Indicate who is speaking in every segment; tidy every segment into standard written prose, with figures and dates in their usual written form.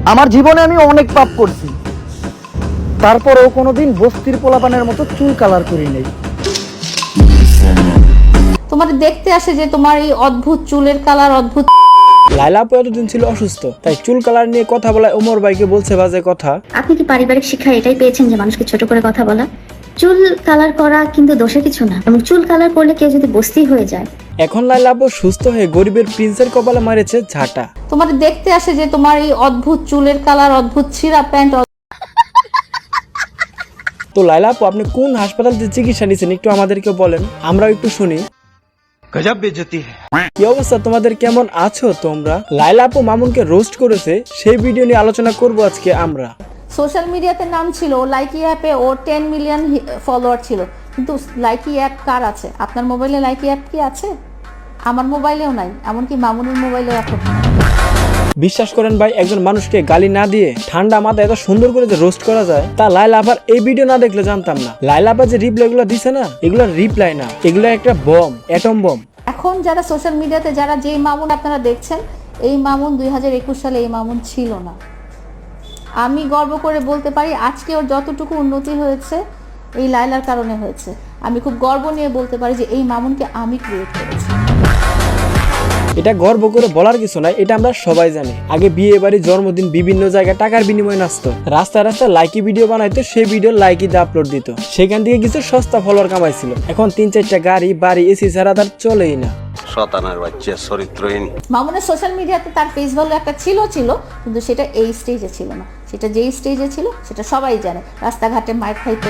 Speaker 1: আমার জীবনে আমি অনেক পাপ করছি, তারপরেও কোনোদিন বস্তির পোলাপানের মতো চুল কালার করি নাই।
Speaker 2: তোমার দেখতে আসে যে তোমার এই অদ্ভুত চুলের কালার অদ্ভুত।
Speaker 3: লাইলা আপু এতদিন ছিল অসুস্থ, তাই চুল কালার নিয়ে কথা বলায় ওমর ভাইকে বলছে বাজে কথা।
Speaker 4: আপনি কি পারিবারিক শিক্ষা এটাই পেয়েছেন যে মানুষকে ছোট করে কথা বলা? চুল কালার করা কিন্তু দোষের কিছু না, এবং চুল কালার করলে কেউ যদি বস্তি হয়ে যায়।
Speaker 3: এখন লাইলা আপু সুস্থ হয়ে গরিবের প্রিন্সের কপালে মারেছে ঝাঁটা।
Speaker 2: তোমার দেখতে আসে যে তোমার এই অদ্ভুত চুলের কালার অদ্ভুত ছিঁড়া প্যান্ট।
Speaker 3: তো লাইলা আপু আপনি কোন হাসপাতালে চিকিৎসা নিছেন একটু আমাদেরকে বলেন, আমরাও একটু শুনি।
Speaker 5: গজব বেজতি
Speaker 3: কি অবস্থা তোমাদের, কেমন আছো তোমরা? লাইলা আপু মামুনকে রোস্ট করেছে, সেই ভিডিও নিয়ে আলোচনা করব আজকে আমরা।
Speaker 2: সোশ্যাল মিডিয়াতে নাম ছিল লাইকি অ্যাপে, ও 10 মিলিয়ন ফলোয়ার ছিল, কিন্তু লাইকি অ্যাপ কার আছে? আপনার মোবাইলে লাইকি অ্যাপ কি আছে? আমার মোবাইলেও নাই, এমনকি মামুনের মোবাইলেও এখন।
Speaker 3: বিশ্বাস করেন ভাই, একজন মানুষকে গালি না দিয়ে ঠান্ডা মাথায় এত সুন্দর করে যে রোস্ট করা যায় তা লাইলা আপার এই ভিডিও না দেখলে জানতাম না। লাইলা আপা যে রিপ্লাই গুলো দিছে না, এগুলো রিপ্লাই না, এগুলো একটা বম, অ্যাটম বম।
Speaker 2: এখন যারা সোশ্যাল মিডিয়াতে যারা যেই মামুন আপনারা দেখছেন, এই মামুন 2021 সালে এই মামুন ছিল না। আমি গর্ব করে বলতে পারি আজকে ওর যতটুকু উন্নতি হয়েছে এই লাইলার কারণে হয়েছে। আমি খুব গর্ব নিয়ে বলতে পারি যে এই মামুনকে আমি ক্রিয়েট করেছি।
Speaker 3: এটা গর্ব করে বলার কিছু নাই, এটা আমরা সবাই জানি। আগে বিয়ে বাড়ি, জন্মদিন, বিভিন্ন জায়গায় টাকার বিনিময়ে নাচতো, রাস্তায় রাস্তায় লাইকি ভিডিও বানাইতো, সেই ভিডিও লাইকিতে আপলোড দিত, সেখান থেকে কিছু সস্তা ফলোয়ার কামাইছিল। এখন 3-4টা গাড়ি বাড়ি এসি ছাড়া তার চলেই না।
Speaker 5: শয়তানের বাচ্চা চরিত্রহীন।
Speaker 2: মামুনের সোশ্যাল মিডিয়াতে তার ফেস ভ্যালু একটা ছিল, কিন্তু সেটা এই স্টেজে ছিল না। সেটা যেই স্টেজে ছিল সেটা সবাই জানে, রাস্তাঘাটে মাইর খাইতো।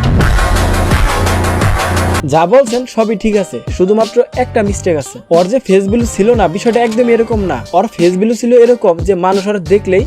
Speaker 3: যা বলছেন সবই ঠিক আছে, শুধুমাত্র একটা মিস্টেক আছে। ওর যে ফেস ভ্যালু ছিল না, বিষয়টা একদম এরকম না। ওর ফেস ভ্যালু ছিল এরকম যে মানুষ ওর দেখলেই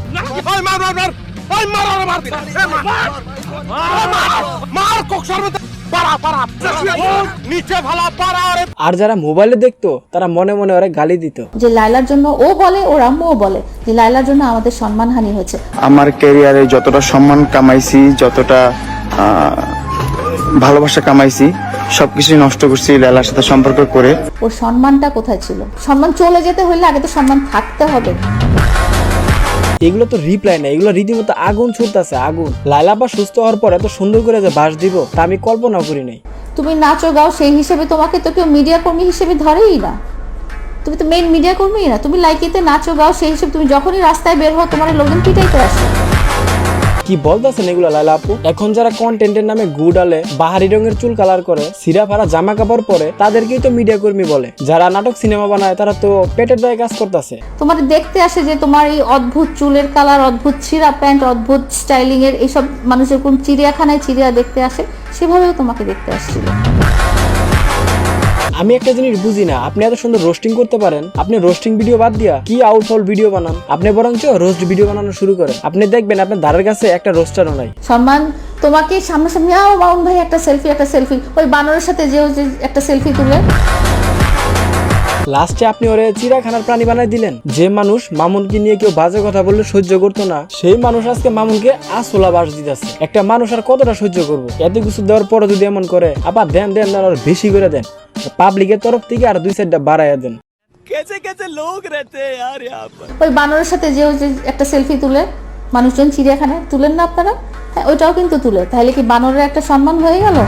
Speaker 3: আর যারা মোবাইলে দেখতো তারা মনে মনে ওরা গালি দিত।
Speaker 2: যে লাইলার জন্য ও বলে, ওর আম্মুও বলে যে লাইলার জন্য আমাদের সম্মানহানি হয়েছে।
Speaker 6: আমার ক্যারিয়ারে যতটা সম্মান কামাইছি, যতটা ভালোবাসা কামাইছি, সবকিছুই নষ্ট করছি লাইলার সাথে সম্পর্ক করে।
Speaker 2: ওর সম্মানটা কোথায় ছিল? সম্মান চলে যেতে হলে আগে তো সম্মান থাকতে হবে।
Speaker 3: এগুলো তো রিপ্লাই না, এগুলো রীতিমতো আগুন ছুটতেছে, আগুন। লাইলা আপা সুস্থ হওয়ার পর এত সুন্দর করে যে বাস দিব তা আমি কল্পনা করি নাই।
Speaker 2: তুমি নাচো গাও সেই হিসেবে তোমাকে তো কেউ মিডিয়া কর্মী হিসেবে ধরেই না। তুমি তো মেইন মিডিয়া কর্মী না। তুমি লাইকিতে নাচো গাও সেই হিসেবে তুমি যখনই রাস্তায় বের হও তোমার লোকজন পিটাইতে আসে।
Speaker 3: কি বলতেছেন এগুলো লাইলা আপু? এখন যারা কন্টেন্টের নামে গুড়ালে, বাহারি রঙের চুল কালার করে, সিরা ফারা জামা কাপড় পরে, তাদেরকেই তো মিডিয়া কর্মী বলে। যারা নাটক সিনেমা বানায় তারা তো পেটের দায়ে কাজ করতেছে।
Speaker 2: তোমার দেখতে আসে যে তোমার এই অদ্ভুত চুলের কালার অদ্ভুত ছিঁড়া প্যান্ট অদ্ভুত স্টাইলিং এর এইসব মানুষের কোন চিড়িয়াখানায় চিড়িয়া দেখতে আসে, সেভাবেও তোমাকে দেখতে আসছিল।
Speaker 3: আমি একটা জিনিস বুঝি না, আপনি এত সুন্দর রোস্টিং করতে পারেন, আপনি রোস্টিং ভিডিও বাদ দিয়া কি আউটফল ভিডিও বানান? আপনি বরঞ্চ রোস্ট ভিডিও বানানো শুরু করেন, আপনি দেখবেন আপনার ধারের কাছে একটা রোস্টারও নাই।
Speaker 2: সম্মান তোমাকে সামনাসামনি মামুন ভাই একটা সেলফি, ওই বানরের সাথে যে একটা সেলফি তুলে
Speaker 3: লাস্টে আপনি ওরে চিড়িয়াখানার প্রাণী বানাই দিলেন। যে মানুষ মামুনকে নিয়ে কেউ বাজে কথা বললে সহ্য করতো না, সেই মানুষ আজকে মামুনকে আসলা বাস দিতেছে। একটা মানুষ আর কতটা সহ্য করবো? এত কিছু দেওয়ার পরে যদি এমন করে, আবার দেন আর বেশি করে দেন, পাবলিকের তরফ থেকে আর 2-4টা বাড়াইয়া দেন।
Speaker 2: ওই বানরের সাথে যে একটা সেলফি তুলে মানুষজন চিড়িয়াখানায় তুলেন না আপনারা? হ্যাঁ, ওইটাও কিন্তু তুলে। তাহলে কি বানরের একটা সম্মান হয়ে গেল?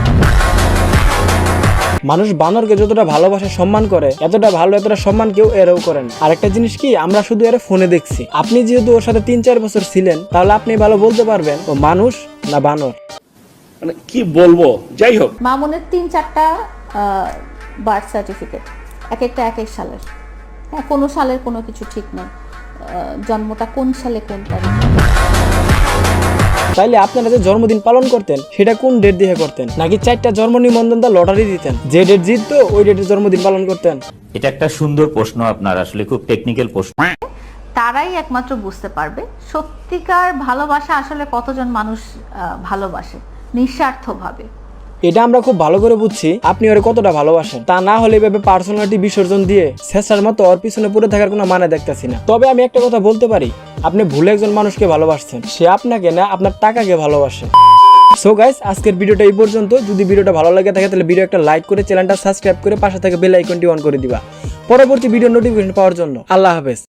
Speaker 3: মানুষ বানরকে যতটা ভালোবাসে সম্মান করে, এতটা ভালো এতটা সম্মান কেউ এরও করেন। আর একটা জিনিস কি, আমরা শুধু এর ফোনে দেখছি। আপনি যেহেতু ওর সাথে 3-4 বছর ছিলেন, তাহলে আপনি ভালো বলতে পারবেন ও মানুষ না বানর।
Speaker 7: মানে কি বলবো, যাই হোক।
Speaker 2: মামুনের 3-4টা বার্থ সার্টিফিকেট, এক একটা এক এক সালের। হ্যাঁ, কোনো সালের কোনো কিছু ঠিক নেই, জন্মটা কোন সালে কোন তারিখে।
Speaker 3: তাইলে আপনারা যে জন্মদিন পালন করতেন সেটা কোন ডেট দিয়ে করতেন? নাকি 4টা জন্ম নিবন্ধন দা লটারি দিতেন, যে ডেট জিততো ওই ডেটে জন্মদিন পালন করতেন?
Speaker 8: এটা একটা সুন্দর প্রশ্ন আপনার, আসলে খুব টেকনিক্যাল প্রশ্ন।
Speaker 2: তারাই একমাত্র বুঝতে পারবে সত্যিকার ভালোবাসা আসলে কতজন মানুষ ভালোবাসে নিঃস্বার্থভাবে।
Speaker 3: এটা আমরা খুব ভালো করে বুঝছি আপনি ওরে কতটা ভালোবাসেন। তা না হলে এভাবে পার্সোনালিটি বিসর্জন দিয়ে শেষার মতো ওর পিছনে পড়ে থাকার কোনো মানে দেখতেছি না। তবে আমি একটা কথা বলতে পারি, আপনি ভুলে একজন মানুষকে ভালোবাসছেন, সে আপনাকে না আপনার টাকাকে ভালোবাসে। সো গাইস, আজকের ভিডিওটা এই পর্যন্ত। যদি ভিডিওটা ভালো লাগে থাকে তাহলে ভিডিও একটা লাইক করে চ্যানেলটা সাবস্ক্রাইব করে পাশে থাকা বেল আইকনটি অন করে দিবা পরবর্তী ভিডিও নোটিফিকেশন পাওয়ার জন্য। আল্লাহ হাফেজ।